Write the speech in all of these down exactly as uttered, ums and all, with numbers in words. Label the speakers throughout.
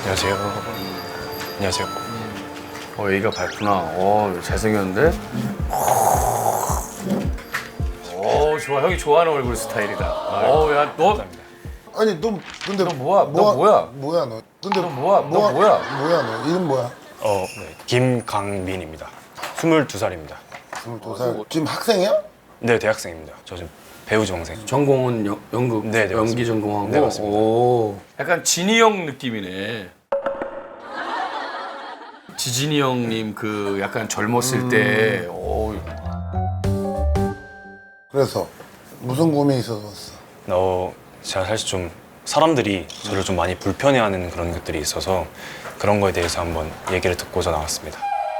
Speaker 1: 안녕하세요. 안녕하세요.
Speaker 2: 어, 얘가 밝구나. 어, 잘생겼는데? 어, 좋아. 형이 좋아하는 얼굴 스타일이다. 어, 야, 너,
Speaker 3: 아니 너 근데
Speaker 2: 너 뭐야? 너 뭐야?
Speaker 3: 뭐야 너? 근데
Speaker 2: 너 뭐야? 너 뭐야?
Speaker 3: 뭐야 너? 이름 뭐야?
Speaker 1: 어, 네. 김강민입니다. 스물두 살입니다.
Speaker 3: 스물두 살. 지금 학생이야?
Speaker 1: 네, 대학생입니다. 저 지금 배우 지망생.
Speaker 2: 전공은 연, 연극,
Speaker 1: 네, 네,
Speaker 2: 연기
Speaker 1: 맞습니다.
Speaker 2: 전공하고.
Speaker 1: 네, 맞습니다.
Speaker 2: 오, 약간 진희 형 느낌이네. 지진이 형님 그 약간 젊었을 때, 오,
Speaker 3: 그래서 무슨 고민이 있어서 왔어?
Speaker 1: 어, 제가 사실 좀 사람들이 저를 좀 많이 불편해하는 그런 것들이 있어서 그런 거에 대해서 한번 얘기를 듣고자 나왔습니다.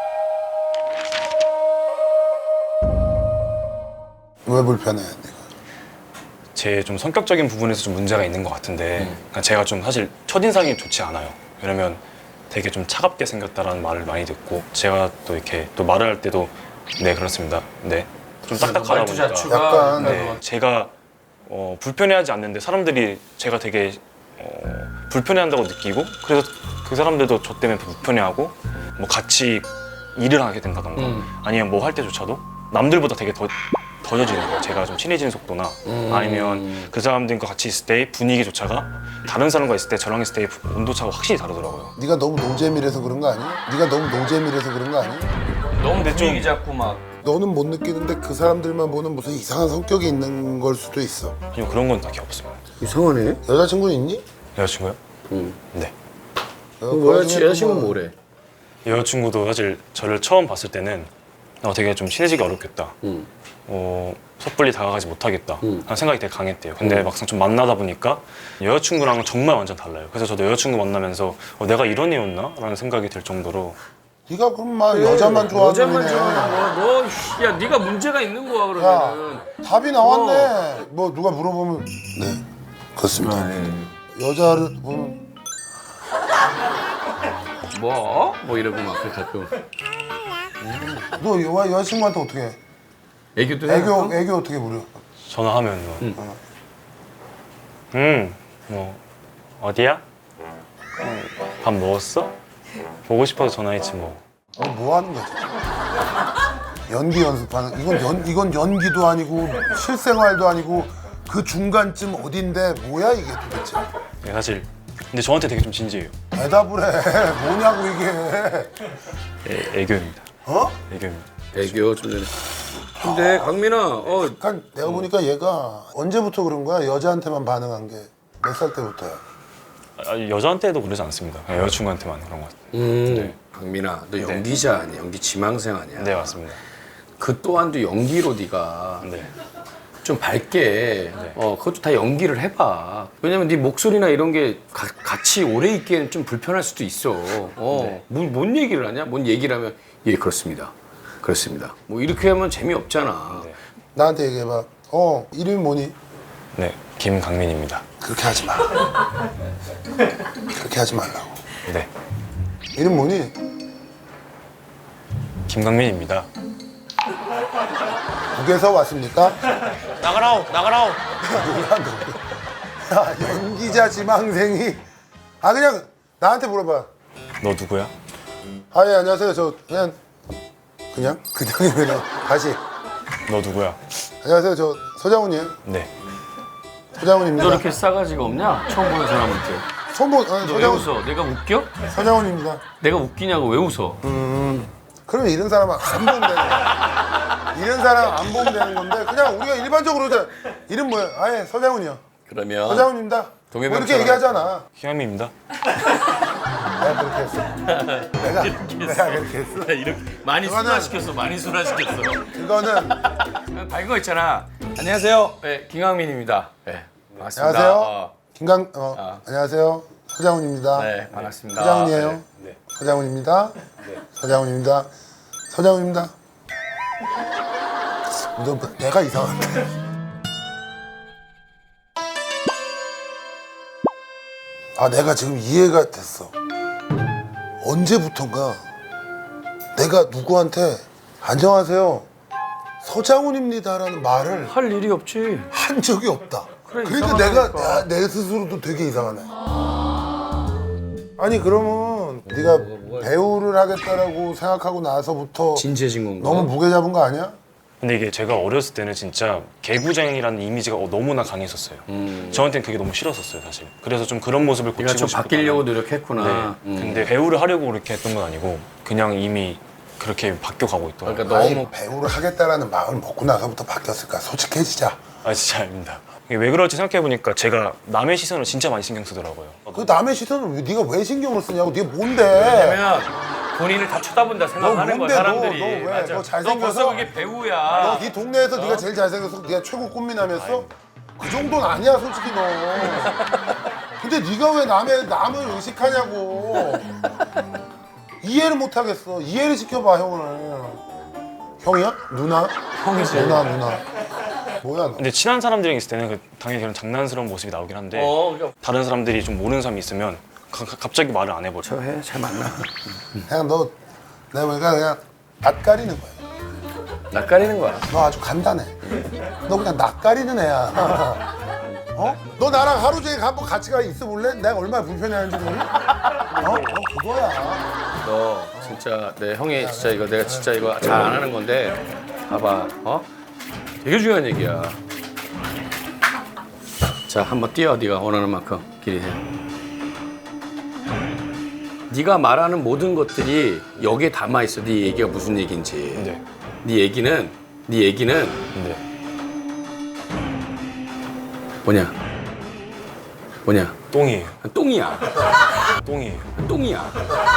Speaker 3: 왜 불편해 네가?
Speaker 1: 제 좀 성격적인 부분에서 좀 문제가 있는 것 같은데 그러니까 제가 좀 사실 첫인상이 좋지 않아요. 왜냐면 되게 좀 차갑게 생겼다라는 말을 많이 듣고 제가 또 이렇게 또 말을 할 때도 네 그렇습니다. 네. 좀 딱딱하다
Speaker 2: 말투
Speaker 1: 보니까
Speaker 2: 자체가
Speaker 3: 약간
Speaker 1: 네, 제가 어, 불편해하지 않는데 사람들이 제가 되게 어, 불편해한다고 느끼고 그래서 그 사람들도 저 때문에 불편해하고 뭐 같이 일을 하게 된다던가
Speaker 2: 음.
Speaker 1: 아니면 뭐 할 때조차도 남들보다 되게 더 더뎌지는 거예요. 제가 좀 친해지는 속도나
Speaker 2: 음.
Speaker 1: 아니면 그 사람들과 같이 있을 때의 분위기조차가 다른 사람과 있을 때 저랑 있을 때의 온도차가 확실히 다르더라고요.
Speaker 3: 네가 너무 노잼이라서 그런 거 아니야? 네가 너무 노잼이라서 그런 거 아니야?
Speaker 2: 너무
Speaker 1: 근데 좀-
Speaker 2: 분위기 잡고 막.
Speaker 3: 너는 못 느끼는데 그 사람들만 보는 무슨 이상한 성격이 있는 걸 수도 있어.
Speaker 1: 아니요 그런 건 딱히 없어요.
Speaker 2: 이상하네.
Speaker 3: 여자친구는 있니?
Speaker 1: 여자친구요?
Speaker 2: 응.
Speaker 1: 네.
Speaker 3: 어,
Speaker 2: 뭐야,
Speaker 3: 그 와중에
Speaker 2: 여자친구는
Speaker 3: 또 뭐-
Speaker 2: 뭐래?
Speaker 1: 여자친구도 사실 저를 처음 봤을 때는 어, 되게 좀 친해지기 어렵겠다.
Speaker 2: 응.
Speaker 1: 어, 섣불리 다가가지 못하겠다
Speaker 2: 음.
Speaker 1: 하는 생각이 되게 강했대요. 근데 막상 좀 만나다 보니까 여자친구랑은 정말 완전 달라요. 그래서 저도 여자친구 만나면서 어, 내가 이런 애였나? 라는 생각이 들 정도로
Speaker 3: 네가 그럼 막 여자만 좋아하는
Speaker 2: 여자만
Speaker 3: 애네.
Speaker 2: 좋아하는 거. 너, 씨, 야, 네가 문제가 있는 거야, 그러면은.
Speaker 3: 야, 답이 나왔네. 뭐 누가 물어보면 네, 그렇습니다. 여자를 보면
Speaker 2: 뭐? 뭐 이러고 막 그 가끔.
Speaker 3: 너 여, 여자친구한테 어떻게 해?
Speaker 2: 애교도 해?
Speaker 3: 애교 애교 어떻게 부려?
Speaker 1: 전화하면 뭐,
Speaker 2: 음.
Speaker 1: 음, 뭐 어디야? 음, 밥 먹었어? 보고 싶어서 전화했지 뭐.
Speaker 3: 어, 뭐 하는 거지? 연기 연습하는 이건 연 이건 연기도 아니고 실생활도 아니고 그 중간쯤 어딘데 뭐야 이게 도대체?
Speaker 1: 네, 사실 근데 저한테 되게 좀 진지해요.
Speaker 3: 대답을 해. 뭐냐고 이게.
Speaker 1: 애, 애교입니다.
Speaker 3: 어?
Speaker 1: 애교입니다.
Speaker 2: 애교 좀 전에. 근데 강민아, 어,
Speaker 3: 약간 내가 보니까 얘가 언제부터 그런 거야? 여자한테만 반응한 게 몇 살 때부터야?
Speaker 1: 아, 여자한테도 그러지 않습니다. 그냥 여자친구한테만 그런 것 같아요.
Speaker 2: 음,
Speaker 1: 네.
Speaker 2: 강민아, 너 연기자 아니야? 연기 지망생 아니야?
Speaker 1: 네 맞습니다.
Speaker 2: 그 또한도 연기로 네가
Speaker 1: 네.
Speaker 2: 좀 밝게, 어, 그것도 다 연기를 해봐. 왜냐면 네 목소리나 이런 게 가- 같이 오래 있기에는 좀 불편할 수도 있어. 어, 뭔, 뭔 얘기를 하냐? 뭔 얘기를 하면 예 그렇습니다. 그렇습니다. 뭐 이렇게 하면 재미없잖아.
Speaker 1: 네.
Speaker 3: 나한테 얘기해봐. 어, 이름이 뭐니?
Speaker 1: 네 김강민입니다.
Speaker 3: 그렇게 하지 마. 그렇게 하지 말라고.
Speaker 1: 네
Speaker 3: 이름 뭐니?
Speaker 1: 김강민입니다.
Speaker 3: 북에서 왔습니까?
Speaker 1: 나가라오 나가라오.
Speaker 3: 야, 연기자 지망생이 아 그냥 나한테 물어봐.
Speaker 1: 너 누구야?
Speaker 3: 아 예 안녕하세요. 저 그냥 그냥 그냥이면 다시
Speaker 1: 너 누구야?
Speaker 3: 안녕하세요. 저 서장훈이에요.
Speaker 1: 네.
Speaker 3: 서장훈입니다.
Speaker 2: 너 이렇게 싸가지가 없냐? 처음 보는 사람한테.
Speaker 3: 처음 본 아,
Speaker 2: 너 왜
Speaker 3: 서장훈
Speaker 2: 웃어? 내가 웃겨?
Speaker 3: 서장훈입니다.
Speaker 2: 내가 웃기냐고 왜 웃어?
Speaker 3: 그러면 이런 사람 안 보면 되는 거야. 이런 사람 안 보면 되는 건데 그냥 우리가 일반적으로 그냥 이름 뭐야? 아예 서장훈이요.
Speaker 2: 그러면
Speaker 3: 서장훈입니다. 뭐
Speaker 2: 동해병처럼.
Speaker 3: 이렇게 얘기하잖아.
Speaker 1: 김강민입니다.
Speaker 3: 내가 그렇게 했어. 내가 내가 그렇게 했어.
Speaker 2: 이렇게 많이
Speaker 3: 그거는-
Speaker 2: 순화시켰어. 많이 순화시켰어.
Speaker 3: 그거는
Speaker 2: 밝은 거 있잖아. 안녕하세요. 네, 김강민입니다. 네, 반갑습니다.
Speaker 3: 안녕하세요.
Speaker 2: 어,
Speaker 3: 김강 어
Speaker 2: 아.
Speaker 3: 안녕하세요. 서장훈입니다.
Speaker 2: 네, 반갑습니다.
Speaker 3: 서장훈이에요.
Speaker 2: 네.
Speaker 1: 네.
Speaker 3: 서장훈입니다. 서장훈입니다. 서장훈입니다. 너 내가 이상한데. 아 내가 지금 이해가 됐어. 언제부턴가 내가 누구한테 안녕하세요 서장훈입니다라는 말을
Speaker 2: 할 일이 없지.
Speaker 3: 한 적이 없다.
Speaker 2: 그래,
Speaker 3: 그러니까 내가
Speaker 2: 이상하다니까.
Speaker 3: 내, 내 스스로도 되게 이상하네. 아니 그러면 네가 배우를 하겠다라고 생각하고 나서부터
Speaker 2: 진지해진 건가?
Speaker 3: 너무 무게 잡은 거 아니야?
Speaker 1: 근데 이게 제가 어렸을 때는 진짜 개구쟁이라는 이미지가 어, 너무나 강했었어요.
Speaker 2: 음.
Speaker 1: 저한테는 그게 너무 싫었었어요, 사실. 그래서 좀 그런 모습을
Speaker 2: 네가
Speaker 1: 고치고
Speaker 2: 좀
Speaker 1: 싶었다.
Speaker 2: 바뀌려고 노력했구나.
Speaker 1: 네.
Speaker 2: 음.
Speaker 1: 근데 배우를 하려고 그렇게 했던 건 아니고 그냥 이미 그렇게 바뀌어가고 있더라고요.
Speaker 2: 그러니까
Speaker 3: 아니
Speaker 2: 너무
Speaker 3: 배우를 하겠다라는 마음을 먹고 나서부터 바뀌었을까? 솔직해지자.
Speaker 1: 아 진짜 아닙니다. 이게 왜 그럴지 생각해보니까 제가 남의 시선을 진짜 많이 신경 쓰더라고요.
Speaker 3: 그 남의 시선을 왜- 네가 왜 신경을 쓰냐고. 네가 뭔데?
Speaker 2: 왜냐면 본인을 다 쳐다본다 생각하는
Speaker 3: 너 뭔데,
Speaker 2: 거야 사람들이.
Speaker 3: 너, 너 왜?
Speaker 2: 맞아.
Speaker 3: 너 잘생겨서?
Speaker 2: 벌써 그게 배우야.
Speaker 3: 너 네 동네에서 네가 제일 잘생겨서 네가 최고 꽃미남이었어? 그 정도는 아니야 솔직히 너. 근데 네가 왜 남의 남을 의식하냐고. 이해를 못 하겠어. 이해를 시켜봐 형을. 형이야? 누나?
Speaker 2: 형이지.
Speaker 3: 누나 누나. 뭐야 너?
Speaker 1: 근데 친한 사람들이랑 있을 때는 그 당연히 그런 장난스러운 모습이 나오긴 한데
Speaker 2: 어, 그러니까
Speaker 1: 다른 사람들이 좀 모르는 사람이 있으면 가- 가- 갑자기 말을 안 해버려.
Speaker 2: 저해 잘 만나.
Speaker 3: 그냥 너 내가 보니까 그냥 낯가리는 거야.
Speaker 2: 낯가리는 거야.
Speaker 3: 너 아주 간단해. 너 그냥 낯가리는 애야. 어? 너 나랑 하루 종일 한번 같이 가 있어 볼래? 내가 얼마나 불편해하는지 모르니? 어? 너 그거야.
Speaker 2: 너 진짜 내 형이 진짜 이거 내가 진짜 이거 잘 안 하는 건데 봐봐. 어? 되게 중요한 얘기야. 자, 한번 뛰어. 네가 원하는 만큼 길이 해. 네가 말하는 모든 것들이 여기에 담아 있어. 네 얘기가 무슨 얘기인지.
Speaker 1: 네.
Speaker 2: 네 얘기는 네 얘기는
Speaker 1: 네.
Speaker 2: 뭐냐? 뭐냐?
Speaker 1: 똥이에요.
Speaker 2: 똥이야.
Speaker 1: 똥이에요.
Speaker 2: 똥이야.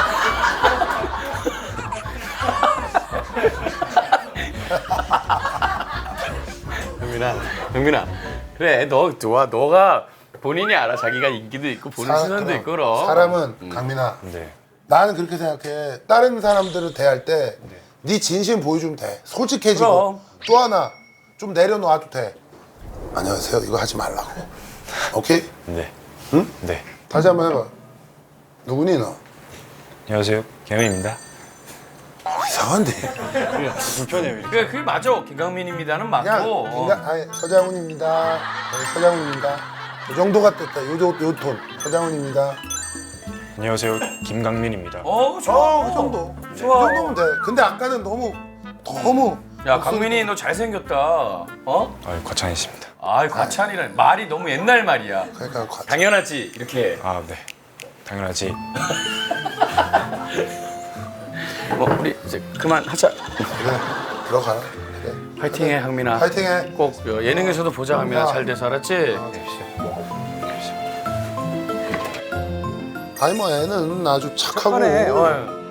Speaker 2: 영민아, 영민아. 그래, 너 좋아. 너가 본인이 알아. 자기가 인기도 있고 보는
Speaker 3: 사-
Speaker 2: 시선도
Speaker 3: 그럼
Speaker 2: 있고 그럼.
Speaker 3: 사람은 강민아.
Speaker 1: 네.
Speaker 3: 나는 그렇게 생각해. 다른 사람들을 대할 때 네 진심 보여주면 돼. 솔직해지고.
Speaker 2: 그럼.
Speaker 3: 또 하나 좀 내려놔도 돼. 안녕하세요. 이거 하지 말라고. 오케이?
Speaker 1: 네.
Speaker 3: 응?
Speaker 1: 네.
Speaker 3: 다시 한번 해봐. 누구니 너?
Speaker 1: 안녕하세요. 김현입니다.
Speaker 3: 이상한데.
Speaker 1: 불편해요. 이렇게.
Speaker 2: 그래, 그게 맞아. 김강민입니다는
Speaker 3: 그냥
Speaker 2: 맞고.
Speaker 3: 그냥 아니, 서장훈입니다. 네, 서장훈입니다. 이 정도가 됐다. 요, 요, 요 톤. 서장훈입니다.
Speaker 1: 안녕하세요. 김강민입니다.
Speaker 2: 어, 좋아.
Speaker 3: 어, 그 정도.
Speaker 2: 좋아.
Speaker 3: 그 정도면 돼. 근데 아까는 너무 너무
Speaker 2: 야, 강민이 너 잘생겼다. 어?
Speaker 1: 아, 과찬이십니다.
Speaker 2: 아이, 과찬이란 말이 너무 옛날 말이야.
Speaker 3: 그러니까 과-
Speaker 2: 당연하지. 이렇게.
Speaker 1: 아, 네. 당연하지.
Speaker 2: 뭐 우리 이제 그만하자.
Speaker 3: 그래 들어가라. 그래.
Speaker 2: 파이팅해, 강민아.
Speaker 3: 파이팅해.
Speaker 2: 꼭 어, 예능에서도 보자, 강민아. 잘 돼서 알았지?
Speaker 3: 아니 뭐 애는 아주 착하고
Speaker 2: 착하네. 어.